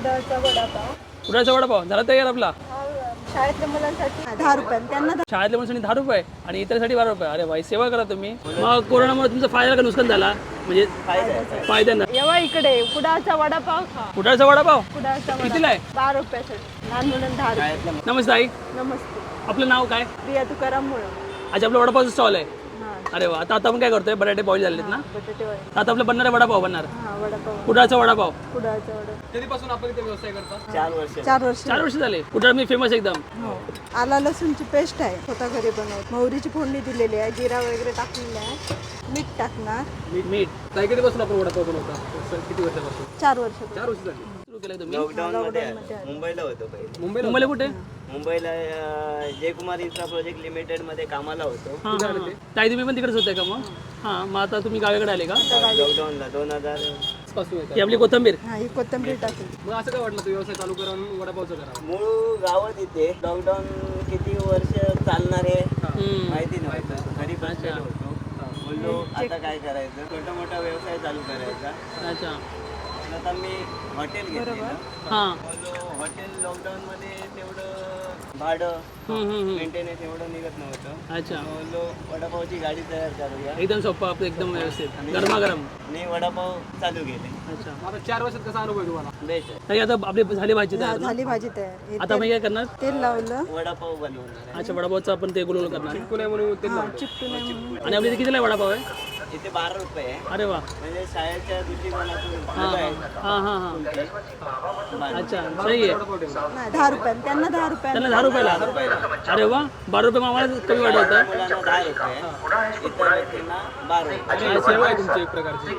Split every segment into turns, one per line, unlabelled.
कुडाळचा वडापाव.
कुडाळचा वडापाव झाला तयार आपला.
शाळेतल्या मुलांसाठी 10 रुपये, त्यांना
शाळेतल्या मुलांसाठी 10 रुपये आणि इतरसाठी 12 रुपये. अरे भाई सेवा करा तुम्ही. मग कोरोनामुळे तुमचा फायदा का नुकसान झाला? म्हणजे फायदा ना.
येवा इकडे कुडाळचा वडापाव खा.
कुडाळचा वडापाव
कुडाळचा
कितीला आहे?
12 रुपयासाठी. लहान मुलांना 10 रुपये.
नमस्ते आई.
नमस्ते.
आपलं नाव काय?
प्रिया तुकाराम मुळे.
अच्छा आपलं वडापावचं स्टॉल आहे.
हां,
अरे वा. आता आपण काय करतोय? बटाटे बॉईल झालेत ना.
बटाटे वडे.
आता आपलं बनणार आहे वडापाव बनणार.
हां, वडापाव.
कुडाळचा वडापाव.
कुडाळचा वडा.
कधीपासून आपण इथे व्यवसाय करता?
4 वर्ष.
4 वर्ष झाले. कुडाळ मी फेमस एकदम.
हो. आला लसूणची पेस्ट आहे, स्वतः घरी बनवत. मोहरीची फोडणी दिलेली आहे, जिरा वगैरे टाकलेला आहे. मीठ टाकणार.
मीठ. काय कधीपासून आपण वडापाव बनवता? किती वर्षापासून?
4 वर्ष.
4 वर्ष झाली. सुरू केलं तुम्ही?
लॉकडाऊन मध्ये मुंबईला होतो पहिले.
मुंबईला कुठे?
मुंबईला जयकुमार इन्फ्रा प्रोजेक्ट लिमिटेड मध्ये कामाला होतो.
ताई तुम्ही पण तिकडेच होते का मग? हां मग आता तुम्ही गावाकडे आले का?
लॉकडाऊनला 2000
पासून ही आपली कोथंबीर.
हा, ही कोथिंबीर टाकली.
मग असं काय वाटलं तू व्यवसाय चालू करून वडापावचं करा?
मूळ गावात इथे लॉकडाऊन किती वर्ष चालणार आहे माहिती नव्हतं. घरी बसलेलो होतो. बोललो आता काय करायचं, छोटा मोठा व्यवसाय चालू करायचा.
अच्छा.
आता मी हॉटेल घेतलेलं.
हां.
बोललो हॉटेल लॉकडाऊन मध्ये तेवढं भाडं मेंटेनन्स एवढं निघत नव्हतं.
अच्छा.
बोललो वडापावची गाडी तयार करूया.
एकदम सोपं आपलं एकदम व्यवस्थित गरमागरम.
मी वडापाव चालू केले.
अच्छा. आता 4 वर्षात कसा अनुभव तुम्हाला?
बेस्ट आहे.
ताई आता आपली झाली भाजी तयार ना?
झाली भाजी तयार. हे
आता मी काय करणार?
तेल लावलं.
वडापाव बनवणार आहे.
अच्छा वडापावचं आपण ते गुलगुल करणार. चिकू नाही म्हणून तेल लावलं.
चिपटू नये म्हणून.
आणि आपली इथे कितीला आहे वडापाव आहे?
इथे 12 रुपये आहे.
अरे वा.
म्हणजे शाळेच्या दृष्टिकोनातून
हां हां हां हां. अच्छा सही आहे.
नाही, 10 रुपये, त्यांना 10 रुपये.
त्यांना 10 रुपयाला. अरे वा. 12 रुपये आम्हाला कमी वाटतं.
मुलांना 10 रुपये, इतर व्यक्तींना 12 रुपये.
सेवा आहे तुमची एक प्रकारची.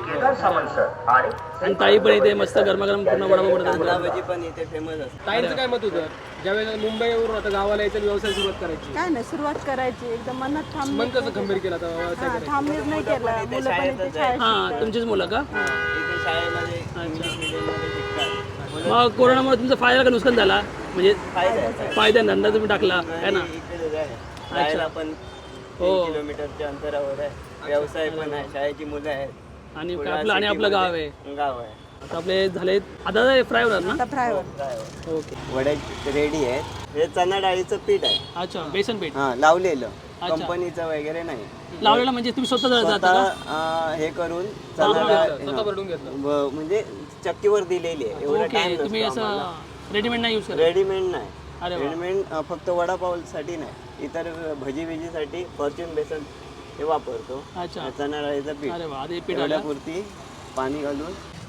आणि ताई पण इथे मस्त गरमागरम पूर्ण वडापाव
कांदा
बनवतात.
भजी पण इथे फेमस असते.
ताईंचं काय मत होतं ज्यावेळेस मुंबईवरून आता गावाला यायचं व्यवसाय सुरुवात करायची?
काय नाही, सुरुवात करायची एकदम मनात ठाम.
मन कसं खंबीर केला आता व्यवसाय करायचा?
ठाम निर्णय केला. मुलं पण इथे शाळेत
हां तुमचीच मुलं का?
इथे शाळेमध्ये इंग्लिश मिडियममध्ये शिकतात.
मग कोरोनामुळे तुमचा फायदा का नुकसान झाला? म्हणजे
फायदा आहे.
फायदा धंदा तुम्ही टाकला है ना?
इकडेच आहे. शाळेला पण 3 किलोमीटरच्या अंतरावर आहे. व्यवसाय पण आहे, शाळेची मुलं आहेत.
आणि आपलं गाव आहे.
गाव आहे.
आता आपले झाले आता फ्राय होणार ना?
आता फ्राय होत.
ओके.
वडे रेडी आहेत. हे चणा डाळीचं पीठ आहे.
अच्छा बेसन पीठ
हा लावलेलं, कंपनीचं वगैरे नाही.
लावलेला म्हणजे तुम्ही स्वतः जाता का?
स्वतः हे करून चणा डाळ
भरून घेतलं
म्हणजे चक्कीवर दिलेली आहे. एवढा
ओके.
टाइम
तुम्ही असं रेडीमेड नाही यूज करत?
रेडीमेड नाही.
अरे वा.
रेडीमेड फक्त वडापावसाठी नाही, इतर भजी बिजीसाठी फॉर्च्यून बेसन हे वापरतो.
अच्छा.
चणा डाळीचं पीठ
अरे वा. आधी पीठ आलं.
पुरती पाणी घालून.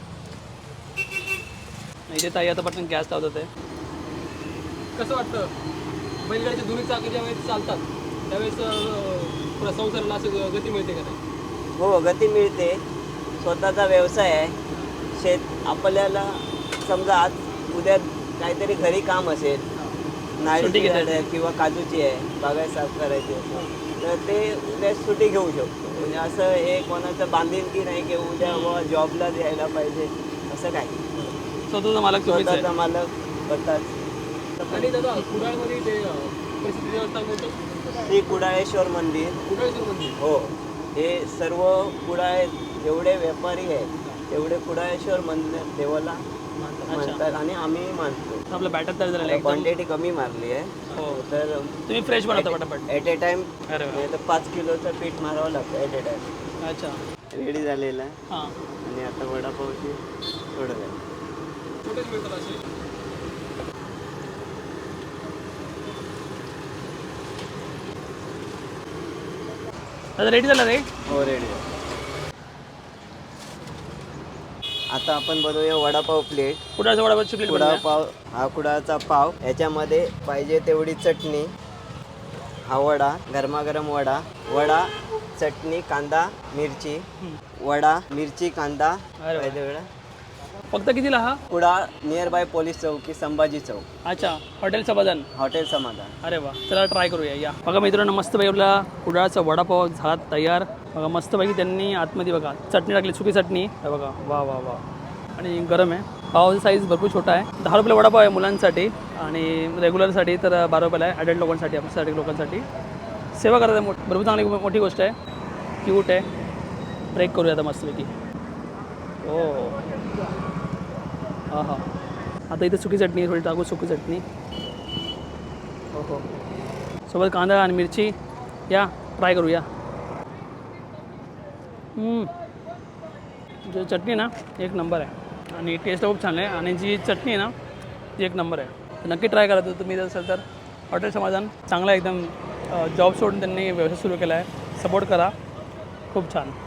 इथे ताई आता पटकन गॅस लावतात आहे. कसं वाटतं बैलगाडीच्या दोन्ही चाकी ज्या वेळेस चालतात त्यावेळेस पुरा संसाराला असं गती मिळते का नाही?
हो गती मिळते. स्वतःचा व्यवसाय आहे. शेत आपल्याला समजा आज उद्या काहीतरी घरी काम असेल, नारळीची झाड आहे किंवा काजूची आहे, बागायत साफ करायची असेल, तर ते उद्या सुट्टी घेऊ शकतो. म्हणजे असं हे कोणाचं बांधिलकी नाही की उद्या व जॉबला द्यायला पाहिजे असं काही.
स्वतःचा मालक तुम्हीच आहे.
स्वतःचा मालक स्वतःच.
आणि दादा कुडाळमध्ये ते प्रसिद्ध देवस्थान कोणतं?
श्री कुडाळेश्वर मंदिर.
कुडाळेश्वर मंदिर.
हो. हे सर्व कुडाळे जेवढे व्यापारी आहेत तेवढे कुडाळेश्वर मंदिर देवाला म्हणतात आणि आम्ही मानतो.
आपलं बॅटर तयार झालेलं आहे.
क्वांटिटी कमी मारली आहे.
हो.
तर
तुम्ही फ्रेश बनवता पटापट?
ॲट ए टाइम
अरे वा.
नाही तर 5 किलोचं पीठ मारावं लागतं ॲट ए टाइम.
अच्छा.
रेडी झालेलं आहे.
हां.
आणि आता वडापावची थोडं झालं.
कुठेच मिळतात असे? आता रेडी झाला रे?
हो रेडी. आता आपण बनवूया वडापाव प्लेट.
कुडाळचा वडापावची प्लेट बनवूया.
वडापाव हा कुडाळचा पाव, याच्यामध्ये पाहिजे तेवढी चटणी, हा वडा, गरमागरम वडा, वडा चटणी कांदा मिरची, वडा मिरची कांदा.
अरे वा.
पाहिजे वेळा.
फक्त कितीला हा?
कुडाळ नियर बाय पोलीस चौकी संभाजी चौक,
अच्छा. हॉटेल समाधान.
हॉटेल समाधान.
अरे वा. चला ट्राय करूया. या बघा मित्रांनो मस्तपैकी आपला कुडाळचा वडापाव झाला तयार. बघा मस्तपैकी त्यांनी आतमध्ये बघा चटणी टाकली, सुकी चटणी. हे बघा वा वा वा. आणि गरम आहे. पावाचा साईज भरपूर छोटा आहे. 10 रुपयाला वडापाव आहे मुलांसाठी आणि रेग्युलरसाठी तर 12 रुपयाला आहे. ॲडल्ट लोकांसाठी, आपल्यासाठी लोकांसाठी सेवा करत आहे. भरपूर चांगली मोठी गोष्ट आहे. क्यूट आहे. ब्रेक करूया आता मस्तपैकी. हो हां हां. आता इथे सुकी चटणी थोडी टाकू सुकी चटणी. हो हो सोबत कांदा आणि मिरची. या ट्राय करूया. जो चटणी ना एक नंबर आहे आणि टेस्ट खूप छान आहे आणि जी चटणी आहे ना ती एक नंबर आहे. तर नक्की ट्राय करा तुम्ही जर असेल तर. हॉटेल समाधान चांगला एकदम. जॉब सोडून त्यांनी व्यवसाय सुरू केला आहे. सपोर्ट करा. खूप छान.